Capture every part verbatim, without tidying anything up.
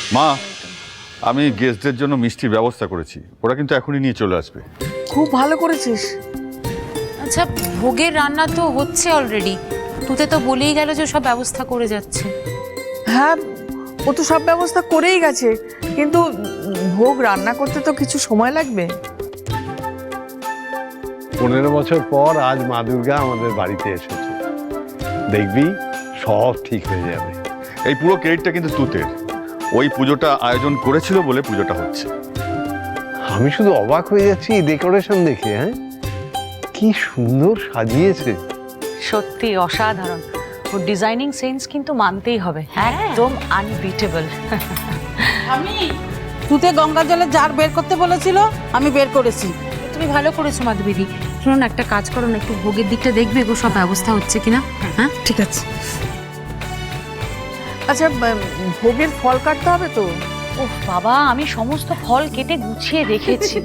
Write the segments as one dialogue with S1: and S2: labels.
S1: মা, আমি গেস্টদের জন্য মিষ্টির ব্যবস্থা করেছি, ওরা কিন্তু এখনই নিয়ে চলে আসবে।
S2: খুব ভালো করেছিস।
S3: আচ্ছা, ভোগের রান্না তো হচ্ছে অলরেডি, তুতে তো বলেই গেল যে সব ব্যবস্থা করে যাচ্ছে।
S2: হ্যাঁ, ও তো সব ব্যবস্থা করেই গেছে, কিন্তু ভোগ রান্না করতে তো কিছু সময় লাগবে।
S4: পনেরো বছর পর আজ মা দুর্গা আমাদের বাড়িতে এসেছে, দেখবি সব ঠিক হয়ে যাবে।
S1: এই পুরো ক্রেডিটটা কিন্তু তুতের, ওই পুজোটা আয়োজন করেছিল বলে পুজোটা হচ্ছে।
S4: আমি শুধু অবাক হয়ে যাচ্ছি ডেকোরেশন দেখে। হ্যাঁ, কি সুন্দর সাজিয়েছে।
S5: সত্যি অসাধারণ। ওর ডিজাইনিং সেন্স কিন্তু মানতেই হবে, একদম আনবিটেবল।
S6: আমি তুতে গঙ্গা জলে জার বের করতে বলেছিল, আমি বের করেছি।
S3: তুমি ভালো করেছো মাধবীদি। শুনুন, একটা কাজ করো না, একটু ভোগের দিকটা দেখবে গো, সব ব্যবস্থা হচ্ছে কিনা। হ্যাঁ
S2: ঠিক আছে। আচ্ছা, ভোগের ফল কাটতে হবে তো?
S5: ওহ বাবা, আমি সমস্ত ফল কেটে গুছিয়ে রেখেছি।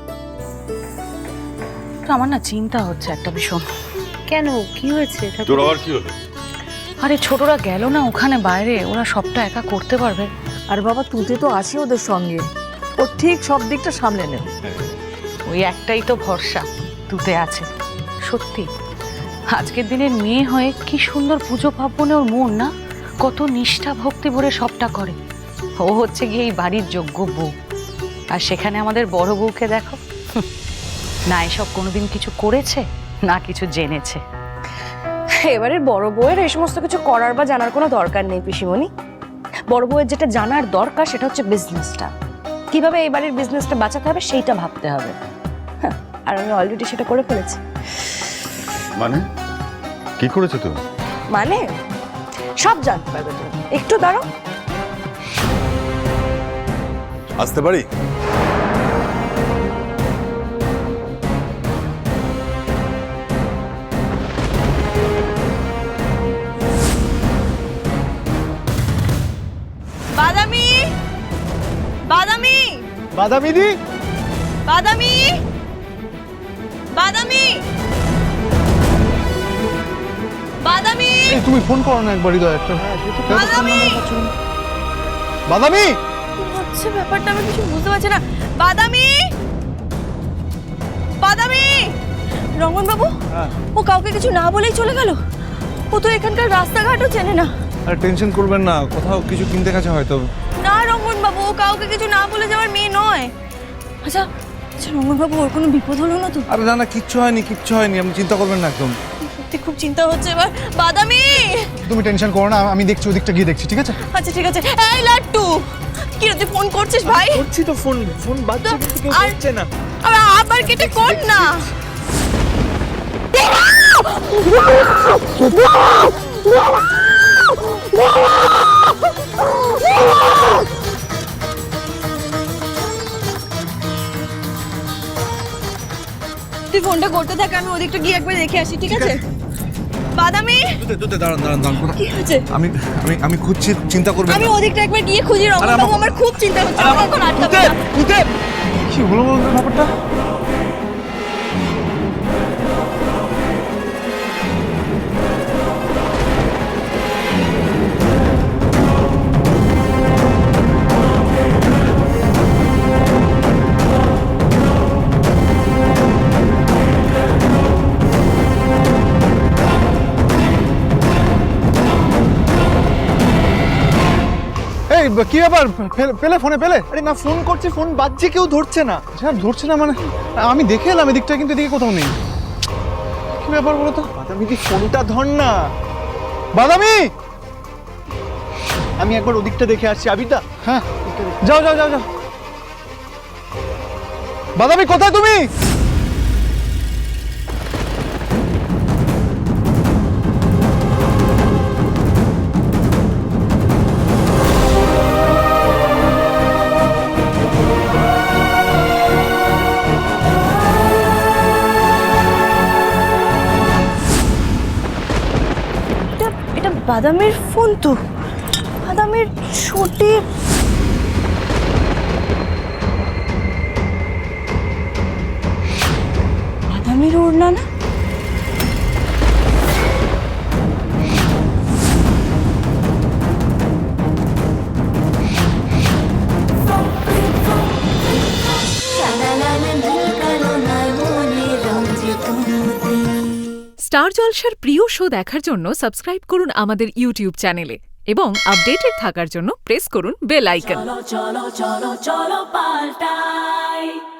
S5: আমার না চিন্তা হচ্ছে একটা ভীষণ।
S3: কেন, কি হয়েছে?
S1: তোর আবার কি হলো?
S5: আরে ছোটরা গেল না ওখানে বাইরে, ওরা সবটা একা করতে পারবে?
S2: আর বাবা, তুতে তো আছি ওদের সঙ্গে, ও ঠিক সব দিকটা সামলে নেবে।
S5: ওই একটাই তো ভরসা, তুতে আছে। সত্যি আজকের দিনের মেয়ে হয়ে কি সুন্দর পুজো পার্বণে ওর মন না, কত নিষ্ঠা ভক্তি ভরে সবটা করে। ও হচ্ছে গিয়ে এই বাড়ির যোগ্য বউ, আর সেখানে আমাদের বড় বউকে দেখো, না এসব কোনোদিন কিছু করেছে না কিছু জেনেছে।
S7: এবারে বড় বউয়ের এই সমস্ত কিছু করার বা জানার কোনো দরকার নেই পিসিমণি। বড় বউয়ের যেটা জানার দরকার সেটা হচ্ছে বিজনেসটা, কিভাবে এই বাড়ির বিজনেসটা বাঁচাতে হবে সেইটা ভাবতে হবে। হ্যাঁ, আর আমি অলরেডি সেটা করে ফেলেছি।
S1: মানে কি করেছো তুমি?
S7: মানে সব জানতে পারবে তুমি, একটু দাঁড়াও।
S1: আসতে পারি?
S7: বাদামি বাদামি
S4: বাদামি দি,
S7: বাদামি বাদামি বাদামি
S4: তুমি ফোন করো না একবারই তো একটা।
S7: বাদামি
S4: বাদামি
S7: হচ্ছে ব্যাপারটা আমি কিছু বুঝতে পারছি না। বাদামি বাদামি রমন বাবু, ও কাউকে কিছু না বলেই চলে গেল। ও তো এখানকার রাস্তাঘাটও চেনে না।
S8: আর টেনশন করবেন না, কোথাও কিছু কিনতে গেছে হয়তো।
S7: না রমন বাবু, ও কাউকে কিছু না বলে যাওয়ার মেয়ে নয়। আচ্ছা আচ্ছা রমন বাবু, ওর কোনো বিপদ হলো না তো?
S8: আরে না না, কিচ্ছু হয়নি কিচ্ছু হয়নি, আপনি চিন্তা করবেন না একদম।
S7: সত্যি খুব চিন্তা হচ্ছে এবার। বাদামি,
S8: তুমি টেনশন করো না, আমি দেখছি ওদিকটা গিয়ে দেখছি, ঠিক আছে?
S7: আচ্ছা ঠিক আছে। এই লাট্টু, কি রে তুই ফোন করছিস ভাই?
S8: করছি তো ফোন, ফোন বাজছে কিন্তু কেউ
S7: আর-
S8: করছে না।
S7: আরে আবার কেটে কর না। তুই ফোনটা করতে থাক, আমি ওদিকটা গিয়ে একবার দেখে আসি, ঠিক আছে? বাদামি,
S8: দুতে দুতে দাঁড়ান দাঁড়ান দাঁড়ান, কোথায়?
S7: কি হয়েছে?
S8: আমি আমি আমি খুঁজছি, চিন্তা করবেন
S7: আমি
S8: না।
S7: ওদিকটা একবার গিয়ে খুঁজি রমন
S8: আরে
S7: বাবু,
S8: আমার-
S7: আমার খুব চিন্তা হচ্ছে।
S8: আরে
S7: আমাকে
S8: আমার-
S7: এখন আটকাবে
S8: দুতে,
S7: না।
S8: দুতে! কি হলো বলতো ব্যাপারটা? এই কি ব্যাপার, পেলে- পেলে ফোনে পেলে?
S9: আরে না, ফোন করছি, ফোন বাজছে, কেউ ধরছে না।
S8: স্যার ধরছে না মানে? আমি দেখে এলাম এদিকটা, কিন্তু এদিকে কোথাও নেই। কি ব্যাপার বলো তো?
S9: বাদামি দি, ফোনটা ধর না।
S8: বাদামি!
S9: আমি একবার ওদিকটা দেখে আসছি। আবিদা,
S8: হ্যাঁ, যাও যাও যাও যাও। বাদামি কোথায় তুমি?
S7: এটা এটা বাদামের ফোন তো, বাদামের ছোটে। বাদামের ওড়না না?
S10: স্টার জলসার প্রিয় শো দেখার জন্য সাবস্ক্রাইব করুন আমাদের ইউটিউব চ্যানেলে এবং আপডেটেড থাকার জন্য প্রেস করুন বেল আইকন।
S11: চলো চলো চলো চলো পাল্টাই